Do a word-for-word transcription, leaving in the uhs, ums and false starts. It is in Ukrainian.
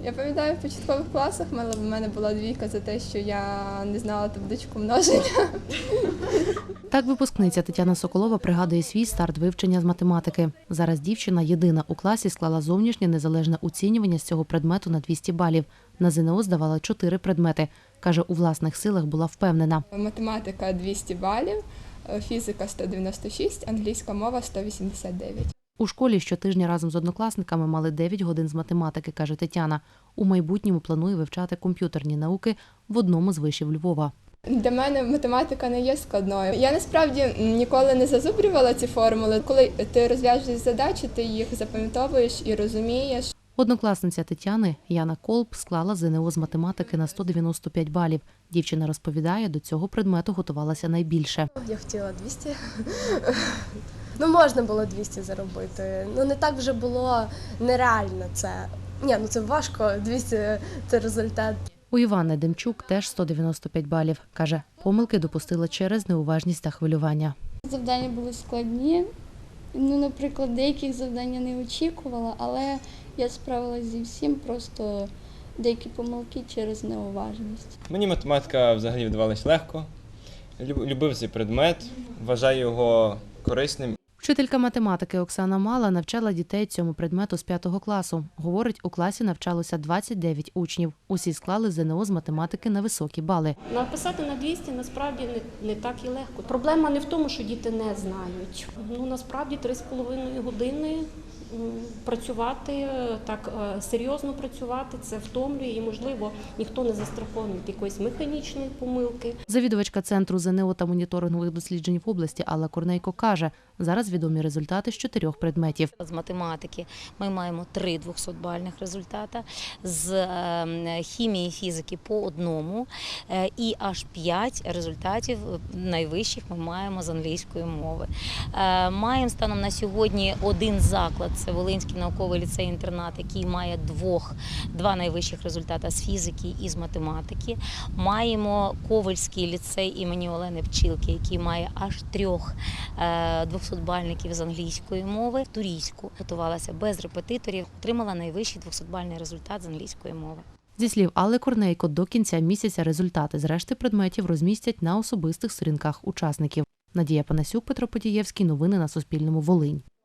Я пам'ятаю, в початкових класах в мене була двійка за те, що я не знала табличку множення. Так випускниця Тетяна Соколова пригадує свій старт вивчення з математики. Зараз дівчина єдина у класі склала зовнішнє незалежне оцінювання з цього предмету на двісті балів. На ЗНО здавала чотири предмети. Каже, у власних силах була впевнена. Математика – двісті балів, фізика – сто дев'яносто шість, англійська мова – сто вісімдесят дев'ять. У школі щотижня разом з однокласниками мали дев'ять годин з математики, каже Тетяна. У майбутньому планує вивчати комп'ютерні науки в одному з вишів Львова. Для мене математика не є складною. Я насправді ніколи не зазубрювала ці формули. Коли ти розв'язуєш задачі, ти їх запам'ятовуєш і розумієш. Однокласниця Тетяни Яна Колб склала ЗНО з математики на сто дев'яносто п'ять балів. Дівчина розповідає, до цього предмету готувалася найбільше. Я хотіла двісті. Ну, можна було двісті заробити. Ну, не так вже було нереально це. Ні, ну це важко, двісті – це результат. У Івани Демчук теж сто дев'яносто п'ять балів. Каже, помилки допустила через неуважність та хвилювання. Завдання були складні. Ну, наприклад, деяких завдань я не очікувала, але я справилася зі всім, просто деякі помилки через неуважність. Мені математика взагалі вдавалась легко. Любив цей предмет, вважаю його корисним. Вчителька математики Оксана Мала навчала дітей цьому предмету з п'ятого класу. Говорить, у класі навчалося двадцять дев'ять учнів. Усі склали ЗНО з математики на високі бали. Написати на двісті насправді не, не так і легко. Проблема не в тому, що діти не знають. Ну, насправді три з половиною години працювати, так серйозно працювати, це втомлює і, можливо, ніхто не застрахований від якоїсь механічної помилки. Завідувачка Центру ЗНО та моніторингових досліджень в області Алла Корнейко каже, зараз відомі результати з чотирьох предметів. З математики ми маємо три двохсотбальних результати, з хімії і фізики по одному і аж п'ять результатів найвищих ми маємо з англійської мови. Маємо станом на сьогодні один заклад, це Волинський науковий ліцей-інтернат, який має двох, два найвищих результати з фізики і з математики. Маємо Ковальський ліцей імені Олени Пчілки, який має аж трьох двохсотбальників з англійської мови. В Турійську готувалася без репетиторів, отримала найвищий двохсотбальний результат з англійської мови. Зі слів Алли Корнейко, до кінця місяця результати з решти предметів розмістять на особистих сторінках учасників. Надія Панасюк, Петро Потієвський. Новини на Суспільному. Волинь.